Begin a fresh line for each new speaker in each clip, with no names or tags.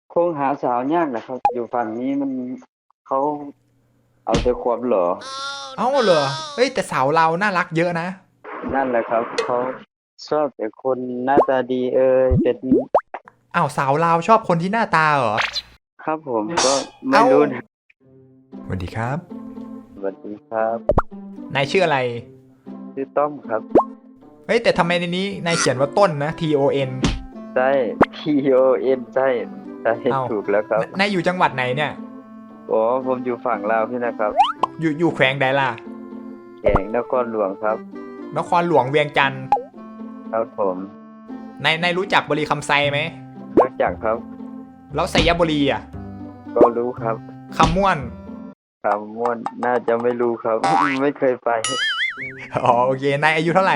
คงหาสาวยากนะครับอยู่ฝั่งนี้มันเขาเอาแต่ความหล่อ
เอ้าเหรอเฮ้ยแต่สาวเราน่ารักเยอะนะ
นั่นแหละครับเขาชอบแต่คนหน้าตาดีเป็น
อ้าวสาวเราชอบคนที่หน้าตาเหรอ
ครับผมก็ไม่
เอ้า
รู้นะ
สวัสดีครับ
สวัสดีครับ
นายชื่ออะไร
ชื่อต้อมครับ
เฮ้ยแต่ทำไมในนี้นายเขียนว่าต้นนะ TON
ใช่ TON ใช่ใช่
เอ้า
ถูกแล้วครับ
นายอยู่จังหวัดไหนเนี่ย
อ๋อผมอยู่ฝั่งลาวพี่นะครับ
อยู่แขวงใดล่ะ
แขวงนครหลวงครับ
นครหลวงเวียงจันทร์
ครับผม
นายรู้จักบุรีคำไซไหม
รู้จักครับ
แล้วไซยบุรีอ่ะ
ก็รู้ครับ
คำม่วน
คำม่วนน่าจะไม่รู้ครับไม่เคยไป
อ๋อโอเคนายอายุเท่าไหร่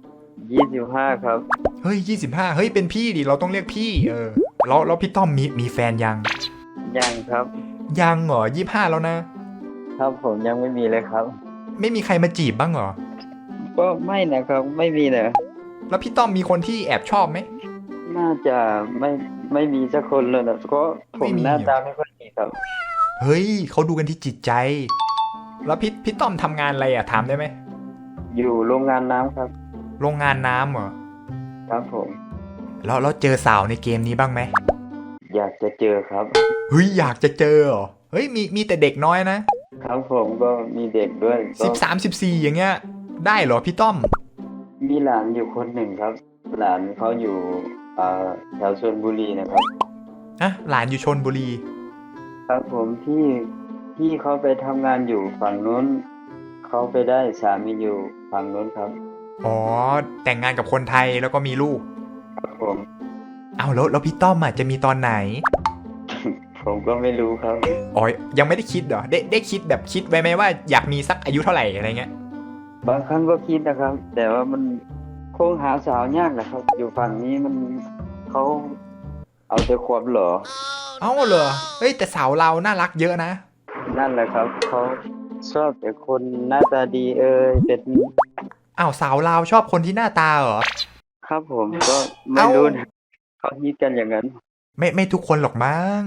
25ครับ
เฮ้ย25เฮ้ยเป็นพี่ดิเราต้องเรียกพี่แล้วพี่ต้อมมีแฟนยัง
ยังครับ
ยังเหรอ25แล้วนะครับ
ผมยังไม่มีเลยครับ
ไม่มีใครมาจีบบ้างเหรอ
ก็ไม่นะครับไม่มีนะ
แล้วพี่ต้อมมีคนที่แอบชอบไหม
น่าจะไม่ไม่มีสักคนเลยนะก็ผ
ไม่
มหน้า
มีเหรอ
ตาไม่ค่อยดีครับ
เฮ้ยเขาดูกันที่จิตใจแล้วพี่ต้อมทำงานอะไรอ่ะถามได้ไหม
อยู่โรงงานน้ำครับ
โรงงานน้ำเหรอ
ครับผม
แล้วเจอสาวในเกมนี้บ้างไหม
อยากจะเจอครับ
เฮ้ยอยากจะเจอเหรอเฮ้ยมีแต่เด็กน้อยนะครับ
ผมก็มีเด็กด้วยก็
13 14อย่างเงี้ยได้เหรอพี่ต้อม
มีหลานอยู่คนหนึ่งครับหลานเขาอยู่แถวชลบุรีนะครับ
อะหลานอยู่ชลบุรี
ครับผมที่เขาไปทำงานอยู่ฝั่งนู้นเขาไปได้สามีอยู่ฝั่งนู้นครับ
อ๋อแต่งงานกับคนไทยแล้วก็มีลูก
ครับผม
เอาแล้วพี่ต้อมอ่ะจะมีตอนไหน
ผมก็ไม่รู้ครับ
อ๋อยังไม่ได้คิดเหรอได้คิดแบบคิดไว้ไหมว่าอยากมีสักอายุเท่าไหร่อะไรเงี้ย
บางครั้งก็คิดนะครับแต่ว่ามันคงหาสาวยากนะครับอยู่ฝั่งนี้มันเขาเอาแต่ความหล่อ
เอ้าเหรอเฮ้ยแต่สาวเราน่ารักเยอะนะ
นั่นแหละครับเขาชอบแต่คนหน้าตาดีเป็น
อ้าวสาวเราชอบคนที่หน้าตาเหรอ
ครับผมก็ไม่
เอ้า
รู้นะเขาคิดกันอย่างนั้น
ไม่ทุกคนหรอกมั้ง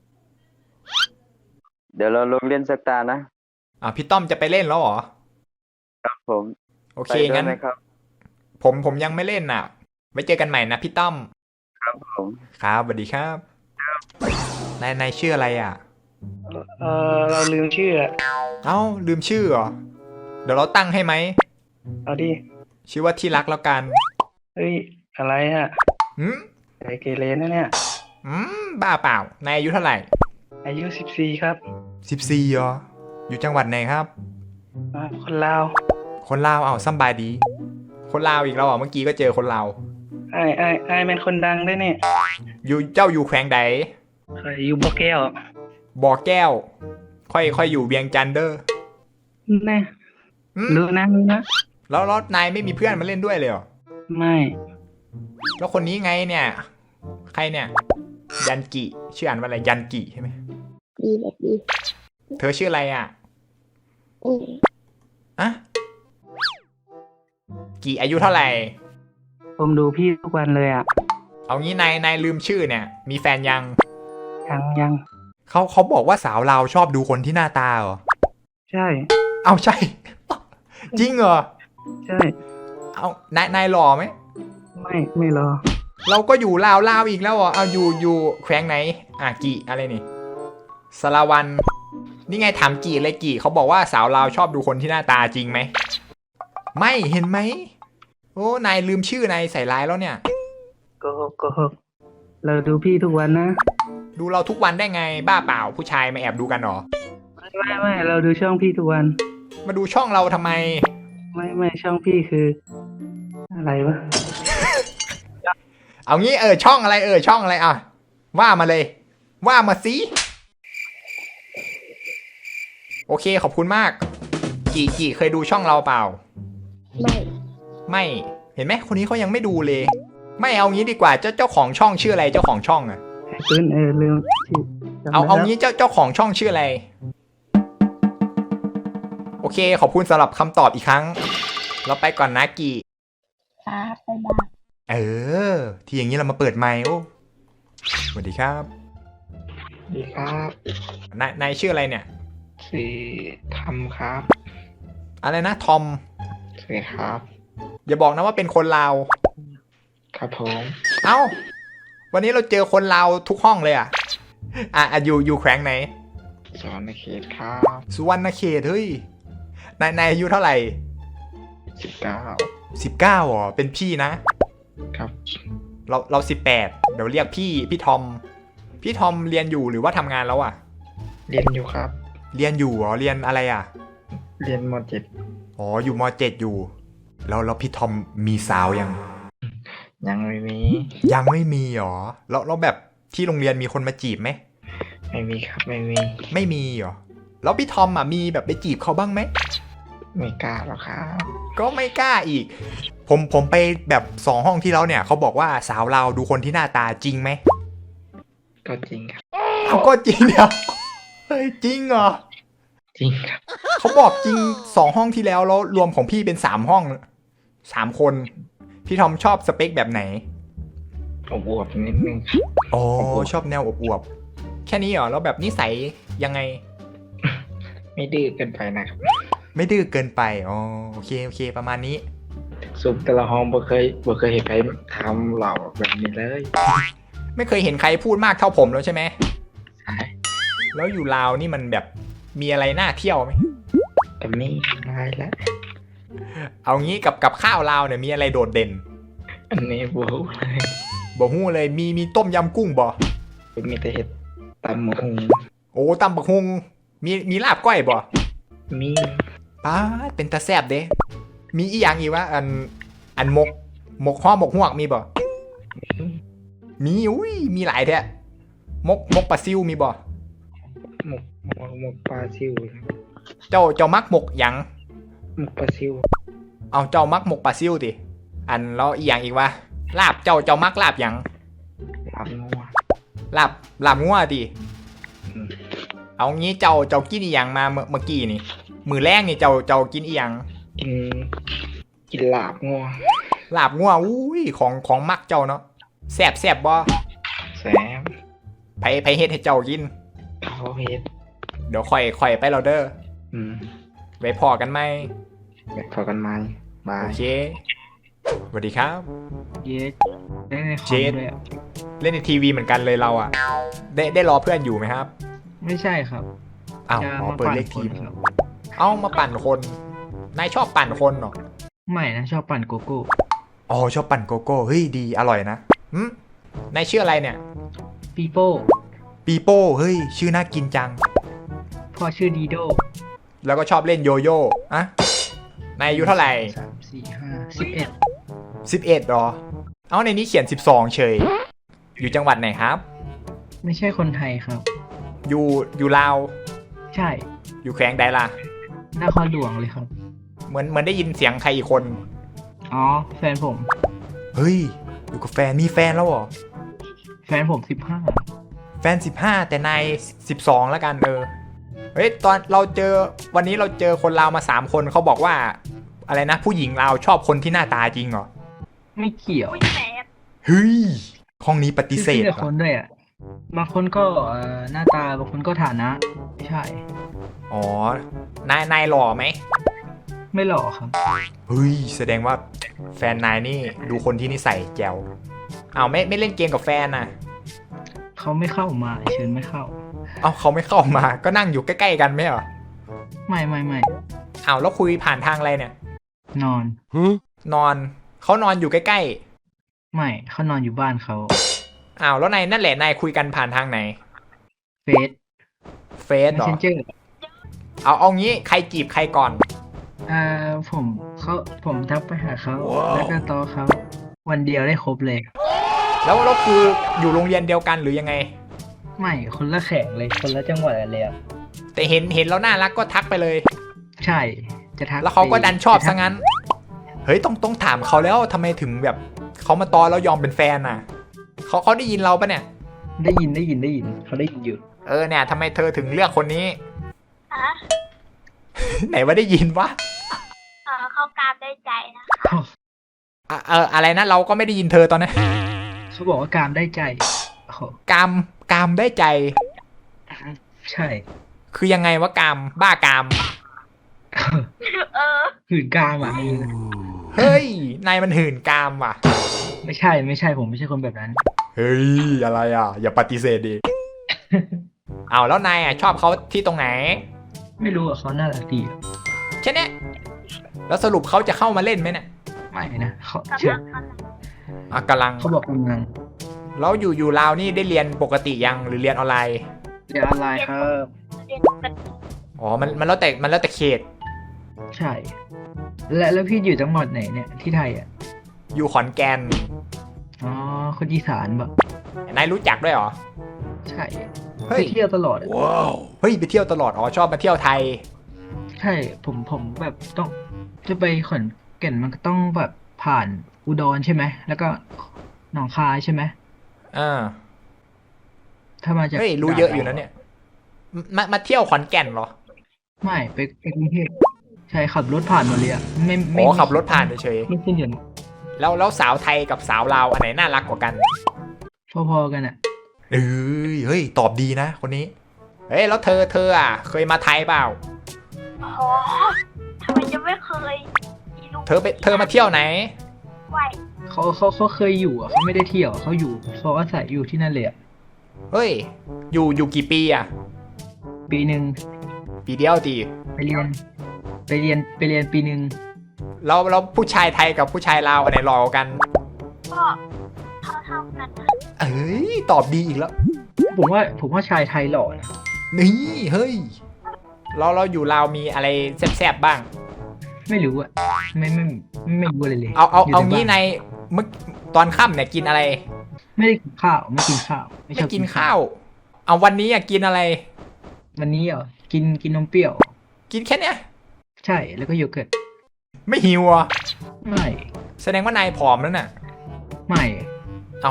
เดี๋ยวเราลงเล่นสักตานะ
พี่ต้อมจะไปเล่นแล้วเหรอ
ครับผม
โอ
ไป
เคงั้น
ด้วยนะครับ
ผมยังไม่เล่นน่ะไว้เจอกันใหม่นะพี่ต้อม
ครับผม
ครับสวัสดีครับนายชื่ออะไรอ่ะ
เราลืมชื่ออะ
เอ้าลืมชื่อเหรอเดี๋ยวเราตั้งให้ไหม
เอาดิ
ชื่อว่าที่รักแล้วกัน
เฮ้ยอะไรฮะ
หืม
ไอเกเรนะเนี่ย
บ้าเปล่านายอายุเท่าไหร่
อายุ14ครับ
14เหรออยู่จังหวัดไหนครับ
คนลาว
คนลาวสำบายดีคนลาวอีกแล้วเมื่อกี้ก็เจอคนลาว
ไอเป็นคนดังได้เนี่ย
อยู่แขวงใด
เคยอยู่บ่อแก้ว
บ่อแก้วค่อยอยู่เวียงจันทร์เด้อ
แน่
อืม
รู้นะ
แล้วนายไม่มีเพื่อนมาเล่นด้วยเลยเหรอ
ไม่
แล้วคนนี้ไงเนี่ยใครเนี่ยยันกิชื่ออ่านว่าอะไรยันกิใช่ไหม
ดีแบบดี
เธอชื่ออะไรอ่ะ
อืม
อะกี่อายุเท่าไหร่
ผมดูพี่ทุกวันเลยอ่ะ
เอางี้นายลืมชื่อเนี่ยมีแฟนยัง
ยัง
เขาบอกว่าสาวเราวชอบดูคนที่หน้าตาเหรอ
ใช่
เอาใช่จริงเหรอ
ใช่
เอานายหล่อไหม
ไม่รอ
เราก็อยู่ลาวอีกแล้วเหรอเอาอยู่แขวงไหนกี่อะไรนี่สารวันนี่ไงถามกี่เลยกี่เขาบอกว่าสาวลาวชอบดูคนที่หน้าตาจริงไหมไม่เห็นไหมโอ้นายลืมชื่อนายใส่ร้ายแล้วเนี่ย
ก็เราดูพี่ทุกวันนะ
ดูเราทุกวันได้ไงบ้าเปล่าผู้ชายมาแอบดูกันหรอ
ไม่เราดูช่องพี่ทุกวัน
มาดูช่องเราทำไม
ไม่ช่องพี่คืออะไรวะ
เอางี้ช่องอะไรช่องอะไรว่ามาเลยว่ามาสิโอเคขอบคุณมากกี่เคยดูช่องเราเปล่า
ไม่
ไม่เห็นไหมคนนี้เขายังไม่ดูเลยไม่เอางี้ดีกว่าเจ้าของช่องชื่ออะไรเจ้าของช่อง
ปืนลืมชื่อ
เอางี้เจ้าของช่องชื่ออะไรโอเคขอบคุณสำหรับคำตอบอีกครั้งเราไปก่อนนะกี่
ครับบ๊ายบาย
ที่อย่างนี้เรามาเปิดไมค์โอ้สวัสดีครับ
ดีครับ
นายชื่ออะไรเนี่ย
ชื่อทำครับ
อะไรนะทอม
สวัสดีครับ
อย่าบอกนะว่าเป็นคนลาว
ครับผม
เอ้า วันนี้เราเจอคนลาวทุกห้องเลยอ่ะอยู่แขวงไหน
สอนในเขตครับ
สุวรรณเขตเฮ้ยนายอายุเท่าไหร่
19
19อ๋อเป็นพี่นะ
ครับ
เรา18เดี๋ยวเรียกพี่ทอม พี่ทอมเรียนอยู่หรือว่าทำงานแล้วอ่ะ
เรียนอยู่ครับ
เรียนอยู่เหรอเรียนอะไรอ่ะ
เรียนม .7
อ๋ออยู่ม.7 อยู่ แล้วพี่ทอมมีสาวยัง
ยังไม่มี
ยังไม่มีหรอแล้วแบบที่โรงเรียนมีคนมาจีบไหม
ไม่มีครับ ไม่มี
ไม่มีหรอแล้วพี่ทอมอ่ะมีแบบไปจีบเขาบ้างไหม
ไม่กล้าหรอกครับ
ก็ไม่กล้าอีก ผมไปแบบ2 ห้องที่แล้วเนี่ยเขาบอกว่าสาวเราวดูคนที่หน้าตาจริงไหม
ก็จริงครับ
เขาก็จริงเดียวเฮ้ยจริงเหรอ
จริงครับ
เขาบอกจริง2 ห้องที่แล้วรวมของพี่เป็น3 ห้อง3 คนพี่ทอมชอบสเปคแบบไหน
อวบๆนิดนึงครับ
อ๋อชอบแนวอวบๆแค่นี้เหรอแล้วแบบนิสัยยังไง
ไม่ดื้อเกินไปนะครับ
ไม่ดื้อเกินไปอ๋อโอเคประมาณนี้
ซุปแต่ละห้องบ่เคยเห็นใครทำเหล่าแบบนี้เลย
ไม่เคยเห็นใครพูดมากเท่าผมแล้วใช่ไหม
ใช่
แล้วอยู่ลาวนี่มันแบบมีอะไรน่าเที่ยวไหม
แต่นี่ได้แล้ว
เอางี้กับข้าวลาวเนี่ยมีอะไรโดดเด่น
อันนี้บู๊เลย
บ่ฮู้เลยมีต้มยำกุ้งบ่
มีแต่เห็ดตำหมู
โอ้ตำบักฮุงมีลาบก้อยบ่
มี
ป้าดเป็นตาแซ่บเด้มีอีหยังอีกวะอันหมกห่อหมกฮวกมีบ่มีอุ้ยมีหลายแท้มกปลาซิวมีบ่
หมกปลาซิวครับ
เจ้ามักหมกหยัง
หมกปลาซิว
เอาเจ้ามักหมกปลาซิวติอันแล้วอีหยังอีกวะลาบเจ้ามักลาบหยัง
ลาบงัว
ลาบงัวติ
อืม
เอางี้เจ้ากินอีหยังมาเมื่อกี้นี่มื้อแรกนี่เจ้ากินอีหยัง
กินลาบงัว
ลาบงัวอุ้ยของมักเจ้าเนาะแซ่บบ่
แซม
ไผเฮ็ดให้เจ้ากิน
เขาเห็ด
เดี๋ยวค่อยไปเราเด้อ
อืม
ไว้พอกันไหม
แบบพอกันไหมบา
โอย เคสวัสดีครับ
เยสได้ในคอ
เจ็
ม
ด
ด้วยอะ
เล่นในทีวีเหมือนกันเลยเราอ่ะ ได้รอเพื่อนอยู่ไหมครับ
ไม่ใช่ครับ
อ้าว
จะ
อ๋อ
มา
เปิด
ปั่น
เลข
ค
ที
น
ม
ครับ
เอามาปั่นคนนายชอบปั่นคนเหรอ
ไม่นะชอบปั่นโกโก้
อ๋อชอบปั่นโกโก้เฮ้ยดีอร่อยนะนายชื่ออะไรเนี่ย
ปีโป้
ปีโป้เฮ้ยชื่อน่ากินจัง
พ่อชื่อดีโด
แล้วก็ชอบเล่นโยโย่อะนายอายุเท่าไหร่
3 4 5 11
11หรอ เอาในนี้เขียน12เฉย อยู่จังหวัดไหนครับ
ไม่ใช่คนไทยครับ
อยู่ลาว
ใช่
อยู่แขวงใดล่ะ
นครหลวงเลยครับ
เหมือนได้ยินเสียงใครอีกคน
อ๋อ แฟนผม
เฮ้ย อยู่กับแฟนมีแฟนแล้วเหรอ
แฟนผม
แฟน15แต่นาย12แล้วกันเฮ้ยตอนวันนี้เราเจอคนลาวมา3 คนเขาบอกว่าอะไรนะผู้หญิงลาวชอบคนที่หน้าตาจริงเหรอ
15 ไม่เกี่ยว
เฮ้ยห้องนี้ปฏิเสธ
ชื่อ
เหร
แต่
อ
คนด้วยอ่ะ บางคนก็หน้าตา บางคนก็ฐานะ ใช่
อ๋อนายหล่อไหม
ไม่หล่อครับ
เฮ้ยแสดงว่าแฟนนายนี่ดูคนที่นิสัยแจ๋วเอาไม่เล่นเกมกับแฟนน่ะ
เขาไม่เข้ามาเชิญไม่เข้า
เอาเขาไม่เข้ามาก็นั่งอยู่ใกล้ๆกันไม่เหรอ
ไม่
เอาแล้วคุยผ่านทางอะไรเนี่ย
นอน
นอนเขานอนอยู่ใกล้
ไม่เขานอนอยู่บ้านเขา
ๆอ้าวแล้วนายนั่นแหละนายคุยกันผ่านทางไหน
เฟซ
เฟซเหรอ
Messenger
เอางี้ใครจีบใครก่อน
ผมทักไปหาเขา แล้วก็ต่อเขา วันเดียวได้ครบเลย
แล้วคืออยู่โรงเรียนเดียวกันหรือยังไง
ไม่คนละแข่งเลย คนละจังหวัดเลยอะ
แต่เห็นแล้วน่ารักก็ทักไปเลย
ใช่ จะทัก
แล้วเขาก็ดันชอบ
จะทั
ซะงั้น เฮ้ยต้องถามเขาแล้วทำไมถึงแบบเขามาตอนแล้วยอมเป็นแฟนน่ะเขาได้ยินเราปะเนี่ย
ได้ยินเขาได้ยินอยู่
เนี่ยทำไมเธอถึงเลือกคนนี้
ฮะ
ไหนว่าได้ยินวะ
เขากราบได้ใจนะ
อะไรนะเราก็ไม่ได้ยินเธอตอนนั้น
เขาบอกว่ากามได้ใจโอ้โห
กามได้ใจ
ใช่
คือยังไงวะกามบ้ากาม
เออ
หื่นกามอ่ะ
เฮ้ย นายมันหื่นกามว่ะ
ไม่ใช่ไม่ใช่ผมไม่ใช่คนแบบนั้น
เฮ้ย อะไรอ่ะ อย่าปฏิเสธดิ เอาแล้วนายอ่ะชอบเขาที่ตรงไหน
ไม่รู้อ่ะเขาน่ารักดีอะ
แค่เนี้ยแล้วสรุปเขาจะเข้ามาเล่นไหมเนี่ย
ไม่นะเขา
กำ
เชื่อ
ลังกำลัง
อ่ะกำลัง
เขาบอกกำลัง
แล้วอยู่ลาวนี่ได้เรียนปกติยังหรือเรียนออนไลน์
เรียนออนไลน์ครับ
เรียนปกติ
อ๋อ มันแล้วแต่เขต
ใช่ แล้วพี่อยู่จังหวัดไหนเนี่ยที่ไทยอ่ะ
อยู่ขอนแก่น
อ๋อคนอีสานแบบ
นายรู้จักด้วยเหรอ
ใช่
เฮ้
ไป
ย
เที่ยวตลอดอะ
เฮ้ยไปเที่ยวตลอด อ๋อชอบมาเที่ยวไทย
ใช่ผมแบบต้องจะไปขอนแก่นมันก็ต้องแบบผ่านอุดรใช่ไหมแล้วก็หนองคายใช่ไหม
อ่า
ถ้ามาจาก
เฮ้ยรู้เยอะอยู่นะเนี่ย มาเที่ยวขอนแก่นเหรอ
ไม่ไปกรุงเทพใช่ขับรถผ่านหมดเลยอ่ะไม่
อ๋อขับรถผ่านเฉย
ไม่ขึ้นเดือน
ๆแล้วสาวไทยกับสาวลาวอันไหนน่ารักกว่ากัน
พอๆกันอ่ะ
เฮ้ยตอบดีนะคนนี้ เฮ้ยแล้วเธออ่ะ เคยมาไทยเปล่า
โอ้โหทำไมจะไม่เคยมีลูก
เธอมาเที่ยวไหน
ไหว
เขาเคยอยู่อ่ะเขาไม่ได้เที่ยวเขาอยู่เขาอาศัยอยู่ที่นั่นเลยอ่ะ
เฮ้ย อยู่กี่ปีอ่ะ
ปีหนึ่ง
ปีเดียวตี
ไปเรียนปีหนึ่ง
แล้วผู้ชายไทยกับผู้ชายลาวอันไหนหล่อกว่ากัน
ก็เท่ากันนะ
เอ้ยตอบดีอีกแล้ว
ผมว่าชายไทยหล่อนะ
นี่เฮ้ยเราอยู่ลาวมีอะไรแซ่บๆบ้าง
ไม่รู้อ่ะไม่รู้เลย
เอา
ยู่แต่
งี้
บ้
ในเมื่อตอนค่ำเนี่ยกินอะไร
ไม่ได้กินข้าวไม่กินข้าว
ไม่
ชอบ
กินข้าว เอาวันนี้อ่ะกินอะไร
วันนี้เหรอกินนมเปรี้ยว
กินแค่เนี้ย
ใช่แล้วก็โยเกิร์ต
ไม่หิวอ่ะ
ไม่
แสดงว่านายผอมแล้วน่ะ
ไม่
เอา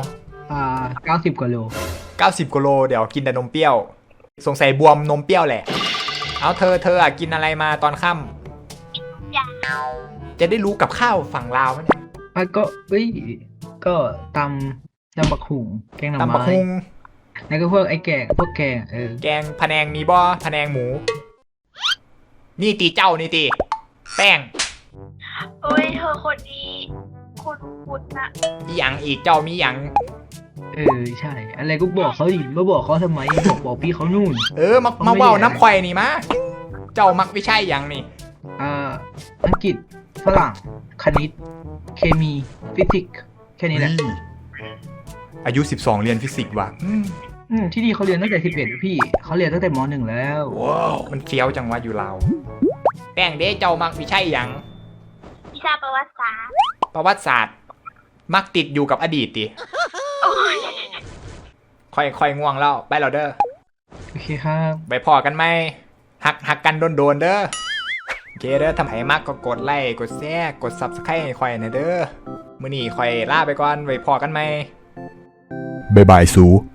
90 กว่าโล
90 กิโลเดี๋ยวกินแต่นมเปรี้ยว สงสัยบวมนมเปรี้ยวแหละ เอาเธออ่ะกินอะไรมาตอนค่ำ
ยาว
จะได้รู้กับข้าวฝั่งลาวมั้ยเนี่ย
ก็ก็ตำบักหุ่งแกงหน่อ
ตำบัก
ไม้
ฮุง
แล้วก็พวกพวกแกง
แกงพะแนงมีบ่พะแนงหมู นี่ตีเจ้านี่ตีแป้ง
เอ้ยเธอคนนี้คุณนะ
อีหยังอีกเจ้ามีหยัง
ใช่ อะไรก็บอกเขาดิมาบอกเขาทำไมบอกพี่เขานู่น
มา
เขาไม่
เว้า
ได้
น้ำควายนี่มาเจ้ามักวิชัยหยังนี่
อังกฤษฝรั่งคณิต เคมีฟิสิกส์แค่นี้แหละ
อายุ12เรียนฟิสิกส์ว่ะ
ที่นี่เขาเรียนตั้งแต่11พี่เขาเรียนตั้งแต่ม.1แล้ว
มันเฟี้ยวจังวะอยู่ลาวแป้งเด้เจ้ามักวิชัยหยัง
วิชาประวัติศาสตร์
ประวัติศาสตร์ มักติดอยู่กับอดีตติ
โอ้ย
ค่อยง่วงแล้วไปแล้วเด้อ
โอเคครับ
ไปพอกันไหมหักกันโดนเด้อโอเคเด้อทำให้มากก็กดไลค์กดแชร์กด Subscribe ให้ค่อยนะเด้อมื้อนี้ค่อยลาไปก่อนไว้พอกันไหมบ๊ายบายสู